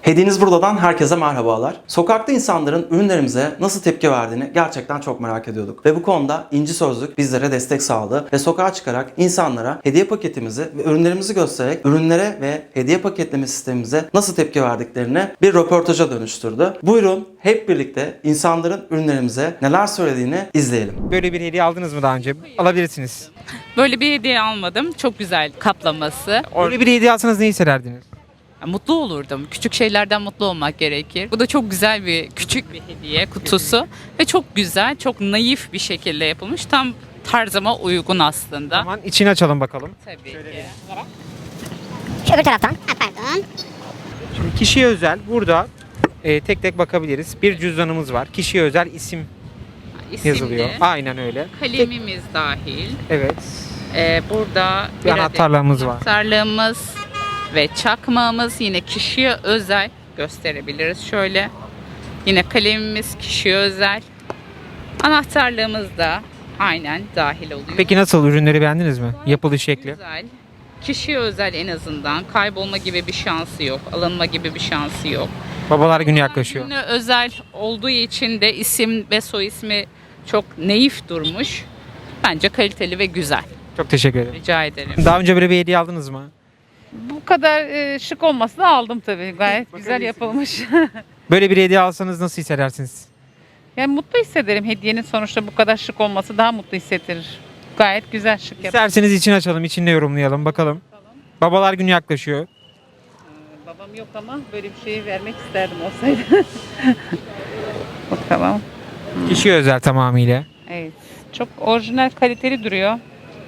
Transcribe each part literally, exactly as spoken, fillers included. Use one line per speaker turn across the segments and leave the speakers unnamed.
Hediyeniz Burada'dan herkese merhabalar. Sokakta insanların ürünlerimize nasıl tepki verdiğini gerçekten çok merak ediyorduk. Ve bu konuda İnci Sözlük bizlere destek sağladı ve sokağa çıkarak insanlara hediye paketimizi ve ürünlerimizi göstererek ürünlere ve hediye paketleme sistemimize nasıl tepki verdiklerini bir röportaja dönüştürdü. Buyurun hep birlikte insanların ürünlerimize neler söylediğini izleyelim.
Böyle bir hediye aldınız mı daha önce? Alabilirsiniz.
Böyle bir hediye almadım. Çok güzel kaplaması.
Böyle bir hediye alsanız ne hissederdiniz?
Mutlu olurdum. Küçük şeylerden mutlu olmak gerekir. Bu da çok güzel bir küçük bir hediye kutusu ve çok güzel, çok naif bir şekilde yapılmış. Tam tarzıma uygun aslında.
Tamam, içini açalım bakalım.
Tabii ki.
Öbür taraftan. Ha, pardon.
Şimdi kişiye özel burada e, tek tek bakabiliriz. Bir cüzdanımız var. Kişiye özel isim
İsimli,
yazılıyor. Aynen öyle.
kalemimiz dahil.
Evet.
Ee, burada
Bir anahtarlığımız var.
anahtarlığımız ve çakmağımız yine kişiye özel gösterebiliriz. Şöyle yine kalemimiz kişiye özel. Anahtarlığımız da aynen dahil oluyor.
Peki nasıl? Ürünleri beğendiniz mi? Yapılış şekli.
Güzel. Kişiye özel en azından. Kaybolma gibi bir şansı yok. Alınma gibi bir şansı yok.
Babalar günü yaklaşıyor.
Günü özel olduğu için de isim ve soy ismi çok naif durmuş. Bence kaliteli ve güzel.
Çok teşekkür ederim.
Rica ederim.
Daha önce böyle bir hediye aldınız mı?
Bu kadar e, şık olmasını aldım tabii. Gayet güzel yapılmış.
Böyle bir hediye alsanız nasıl hissedersiniz?
Yani mutlu hissederim. Hediyenin sonuçta bu kadar şık olması daha mutlu hissettirir. Gayet güzel şık yapılmış.
İsterseniz içini açalım, içinde yorumlayalım bakalım. Babalar günü yaklaşıyor.
Babam yok ama böyle bir şeyi vermek isterdim olsaydı. Bakalım.
Kişiye özel tamamıyla.
Evet. Çok orijinal, kaliteli duruyor.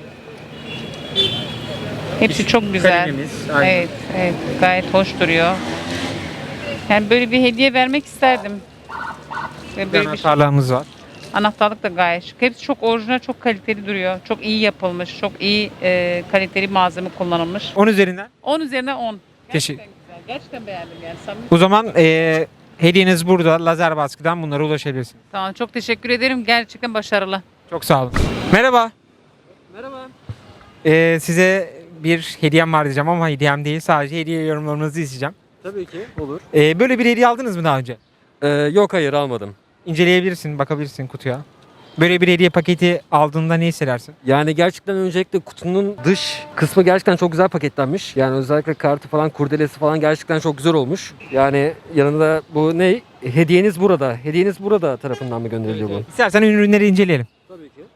Hepsi çok güzel.
Kalemimiz, aynen.
Evet, evet. Gayet hoş duruyor. Yani böyle bir hediye vermek isterdim. Ve
Bir
böyle bir şey.
anahtarlığımız var.
Anahtarlık da gayet şık. Hepsi çok orijinal, çok kaliteli duruyor. Çok iyi yapılmış, çok iyi e, kaliteli malzeme kullanılmış.
on üzerinden.
on üzerine on.
Teşekkür-
Gerçekten güzel. Gerçekten beğendim yani. Samimi.
O zaman eee hediyeniz burada. Lazer baskıdan bunlara ulaşabilirsiniz.
Tamam, çok teşekkür ederim. Gerçekten başarılı.
Çok sağ olun. Merhaba. Merhaba. Size bir hediyem var diyeceğim ama hediyem değil. Sadece hediye yorumlarınızı isteyeceğim.
Tabii ki olur.
Eee, böyle bir hediye aldınız mı daha önce?
Ee, yok hayır almadım.
İnceleyebilirsin, bakabilirsin kutuya. Böyle bir hediye paketi aldığında ne hissedersin?
Yani gerçekten öncelikle kutunun dış kısmı gerçekten çok güzel paketlenmiş. Yani özellikle kartı falan, kurdelesi falan gerçekten çok güzel olmuş. Yani yanında bu ne? Hediyeniz burada. Hediyeniz burada tarafından mı gönderiliyor bu?
İstersen ürünleri inceleyelim.
Tabii ki.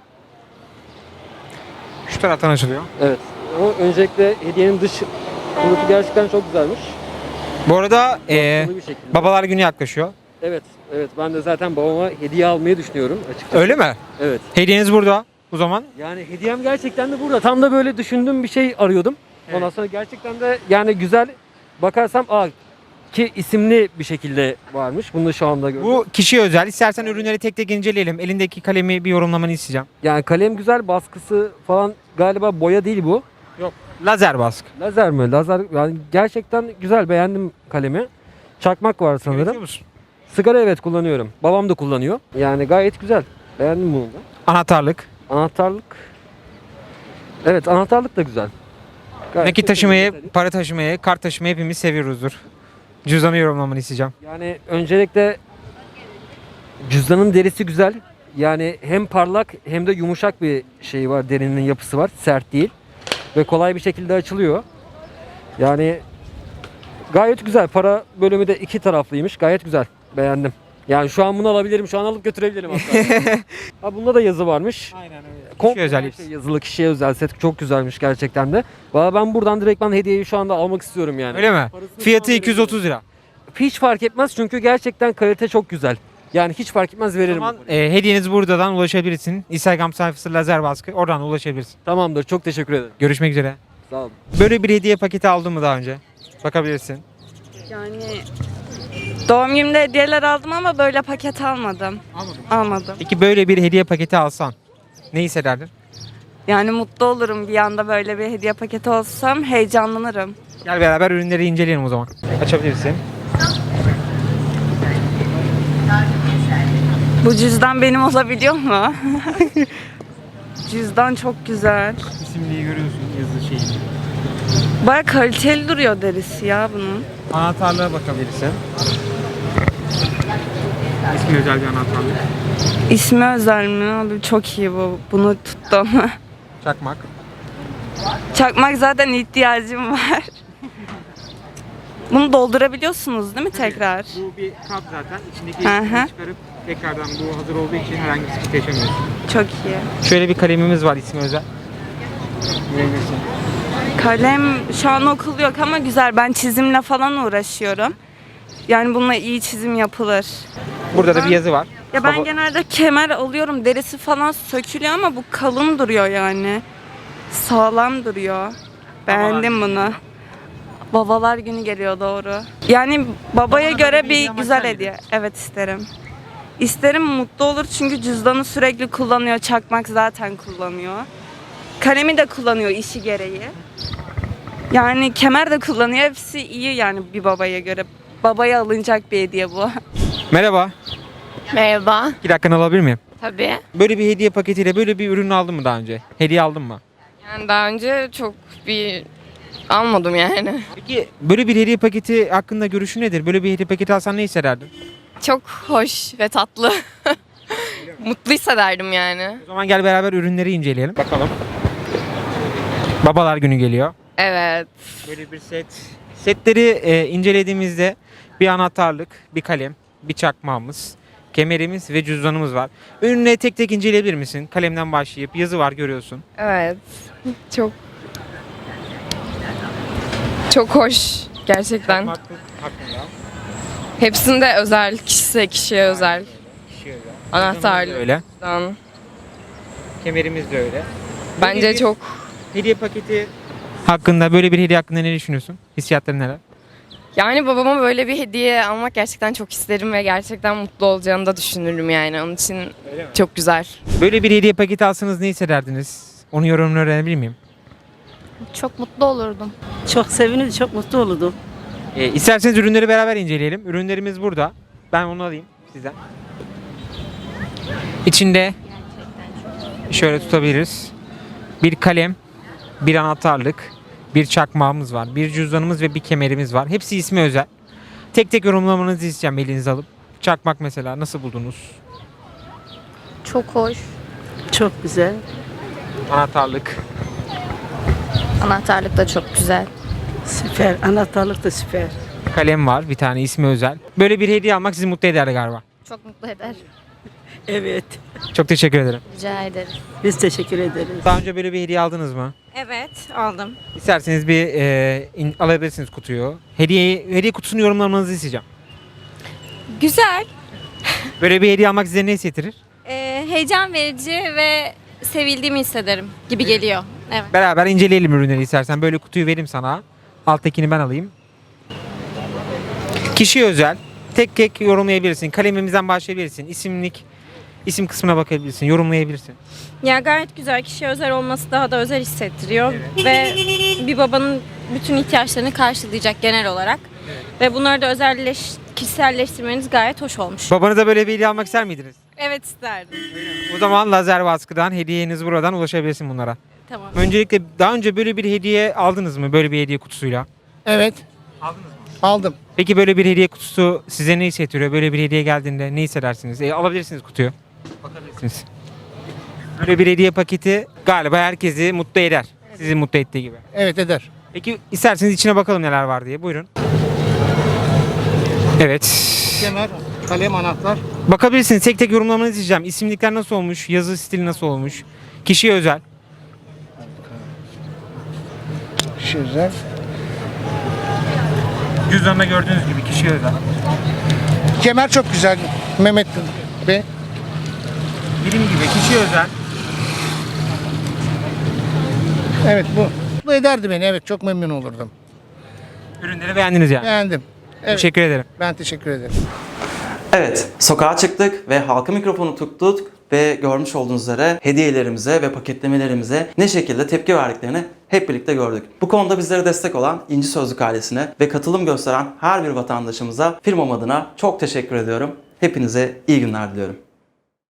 Şu taraftan açılıyor.
Evet. Ama öncelikle hediyenin dış kılıfı gerçekten çok güzelmiş.
Bu arada eee,
Baskılı bir şekilde.
babalar günü yaklaşıyor.
Evet. Evet. Ben de zaten babama hediye almayı düşünüyorum açıkçası.
Öyle mi?
Evet.
Hediyeniz burada o zaman.
Yani hediyem gerçekten de burada. Tam da böyle düşündüğüm bir şey arıyordum. Ondan
Evet.
sonra gerçekten de yani güzel bakarsam aa ki isimli bir şekilde varmış. Bunu da şu anda gördüm.
Bu kişiye özel. İstersen ürünleri tek tek inceleyelim. Elindeki kalemi bir yorumlamanı isteyeceğim.
Yani kalem güzel, baskısı falan galiba boya değil bu.
Yok. Lazer baskı.
Lazer mi? Lazer yani gerçekten güzel, beğendim kalemi. Çakmak var
Üretiyor
sanırım.
musun?
Sigara evet kullanıyorum. Babam da kullanıyor. Yani gayet güzel. Beğendim bunu da.
Anahtarlık.
Anahtarlık. Evet, anahtarlık da güzel. Gayet
Nakit
de
taşımayı,
güzel.
para taşımayı, kart taşımayı hepimiz seviyoruzdur. Cüzdanı yorumlamanı isteyeceğim.
Yani öncelikle cüzdanın derisi güzel. Yani hem parlak hem de yumuşak bir şey var. Derinin yapısı var. Sert değil. Ve kolay bir şekilde açılıyor. Yani gayet güzel. Para bölümü de iki taraflıymış. Gayet güzel. Beğendim. Yani şu an bunu alabilirim. Şu an alıp götürebilirim hatta. Ha, bunda da yazı varmış.
Aynen öyle.
Komple
Kişiye özel
her
hepsi.
şey yazılı, kişiye özel set çok güzelmiş gerçekten de. Valla ben buradan direktmen hediyeyi şu anda almak istiyorum yani.
Öyle mi?
Parasını
Fiyatı
şu an
iki yüz otuz lira.
Hiç fark etmez çünkü gerçekten kalite çok güzel. Yani hiç fark etmez
O
veririm.
zaman
bu parayı.
e, hediyeniz buradan ulaşabilirsin. Instagram sayfası Lazer Baskı. Oradan ulaşabilirsin.
Tamamdır. Çok teşekkür ederim.
Görüşmek üzere.
Sağ olun.
Böyle bir hediye paketi aldın mı daha önce? Bakabilirsin.
Yani doğum günümde hediyeler aldım ama böyle paket almadım.
Almadım.
Almadım.
Peki böyle bir hediye paketi alsan ne hissederdin?
Yani mutlu olurum bir anda böyle bir hediye paketi olsam heyecanlanırım.
Gel beraber ürünleri inceleyelim o zaman. Açabilirsin.
Bu cüzdan benim olabiliyor mu? Cüzdan çok güzel.
İsimliği görüyorsun yazı şeyi.
Baya kaliteli duruyor derisi ya bunun.
Anahtarlığa bakabilirsin. İsmi özel bir anahtarlık.
İsmi özel mi? Abi çok iyi bu. Bunu tuttum.
Çakmak.
Çakmak zaten ihtiyacım var. Bunu doldurabiliyorsunuz değil mi tekrar?
Bu bir kap zaten. İçindeki
Hı hı.
çıkarıp tekrardan bu hazır olduğu için herhangi bir sıkıntı yaşamıyorsun.
Çok iyi.
Şöyle bir kalemimiz var ismi özel. Görebilirsin.
Kalem şu an okul yok ama güzel. Ben çizimle falan uğraşıyorum. Yani bununla iyi çizim yapılır.
Burada da bir yazı var.
Ya ben
Baba-
genelde kemer alıyorum. Derisi falan sökülüyor ama bu kalın duruyor yani. Sağlam duruyor. Beğendim bunu. Babalar günü geliyor doğru. Yani babaya
Babana
göre
böyle bir
bir
hediye almak
güzel
ister
hediye. Evet isterim. İsterim, mutlu olur çünkü cüzdanı sürekli kullanıyor. Çakmak zaten kullanıyor. Kalemi de kullanıyor işi gereği. Yani kemer de kullanıyor. Hepsi iyi yani bir babaya göre. Babaya alınacak bir hediye bu.
Merhaba.
Merhaba.
İki dakikanı alabilir miyim?
Tabii.
Böyle bir hediye paketiyle böyle bir ürün aldın mı daha önce? Hediye aldın mı?
Yani daha önce çok bir almadım yani.
Peki böyle bir hediye paketi hakkında görüşün nedir? Böyle bir hediye paketi alsan ne hissederdin?
Çok hoş ve tatlı. Mutlu hissederdim yani.
O zaman gel beraber ürünleri inceleyelim. Bakalım. Babalar günü geliyor.
Evet.
Böyle bir set. Setleri e, incelediğimizde bir anahtarlık, bir kalem, bir çakmağımız, kemerimiz ve cüzdanımız var. Ürünleri tek tek inceleyebilir misin? Kalemden başlayıp yazı var görüyorsun.
Evet. Çok çok hoş gerçekten.
Çakmaklık hakkında.
Hepsinde özel, kişisel kişiye özel.
Kişiye özel.
Anahtarlık.
Öyle.
Cüzdan.
Kemerimiz de öyle.
Bence
Böyle bir
çok
hediye paketi hakkında, böyle bir hediye hakkında ne düşünüyorsun? Hissiyatların neler?
yani babama böyle bir hediye almak gerçekten çok isterim ve gerçekten mutlu olacağını da düşünürüm yani. Onun için çok güzel.
Böyle bir hediye paketi alsanız ne hissederdiniz? Onun yorumunu öğrenebilir miyim?
Çok mutlu olurdum.
Çok sevinir, çok mutlu olurdum.
E, isterseniz ürünleri beraber inceleyelim. Ürünlerimiz burada. Ben onu alayım sizden. İçinde şöyle tutabiliriz. Bir kalem, bir anahtarlık, bir çakmağımız var, bir cüzdanımız ve bir kemerimiz var. Hepsi ismi özel. Tek tek yorumlamanızı isteyeceğim elinize alıp. Çakmak mesela nasıl buldunuz?
Çok hoş.
Çok güzel.
Anahtarlık.
Anahtarlık da çok güzel.
Süper. Anahtarlık da süper.
Kalem var bir tane ismi özel. Böyle bir hediye almak sizi mutlu eder galiba.
Çok mutlu eder.
Evet.
Çok teşekkür ederim.
Rica ederiz.
Biz teşekkür ederiz.
Daha önce böyle bir hediye aldınız mı?
Evet aldım.
İsterseniz bir e, in- alabilirsiniz kutuyu. Hediye hediye kutusunu yorumlamanızı isteyeceğim.
Güzel,
Böyle bir hediye almak size ne hissettirir?
e, heyecan verici ve sevildiğimi hissederim gibi geliyor. Evet.
Beraber inceleyelim ürünleri istersen. Böyle kutuyu vereyim sana. Alttakini ben alayım. Kişiye özel. Tek tek yorumlayabilirsin. Kalemimizden başlayabilirsin. İsimlik, isim kısmına bakabilirsin. Yorumlayabilirsin.
Ya gayet güzel, kişiye özel olması daha da özel hissettiriyor ve bir babanın bütün ihtiyaçlarını karşılayacak genel olarak. Ve bunları da özelleş, kişiselleştirmeniz gayet hoş olmuş.
Babanıza böyle bir hediye almak ister miydiniz?
Evet isterdim.
O zaman lazer baskıdan hediyeniz buradan ulaşabilirsin bunlara.
Tamam.
Öncelikle daha önce böyle bir hediye aldınız mı? Böyle bir hediye kutusuyla.
Evet.
Aldınız mı?
Aldım.
Peki böyle bir hediye kutusu size ne hissettiriyor? Böyle bir hediye geldiğinde ne hissedersiniz? E, alabilirsiniz kutuyu. Bakabilirsiniz. Böyle bir hediye paketi galiba herkesi mutlu eder. Sizi mutlu ettiği gibi.
Evet eder.
Peki isterseniz içine bakalım neler var diye. Buyurun. Evet.
Kemer, kalem, anahtar.
Bakabilirsiniz. Tek tek yorumlamanızı isteyeceğim. İsimlikler nasıl olmuş? Yazı stili nasıl olmuş? Kişiye özel.
Güzel.
Cüzdanında gördüğünüz gibi kişiye özel.
Kemer çok güzel Mehmet Bey.
Dediğim gibi kişiye özel.
Evet bu. Bu ederdi beni. Evet çok memnun olurdum.
Ürünleri beğendiniz yani.
Beğendim. Evet.
Teşekkür ederim.
Ben teşekkür ederim.
Evet, sokağa çıktık ve halka mikrofonu tuttuk ve görmüş olduğunuz üzere hediyelerimize ve paketlemelerimize ne şekilde tepki verdiklerini hep birlikte gördük. Bu konuda bizlere destek olan İnci Sözlük ailesine ve katılım gösteren her bir vatandaşımıza firmam adına çok teşekkür ediyorum. Hepinize iyi günler diliyorum.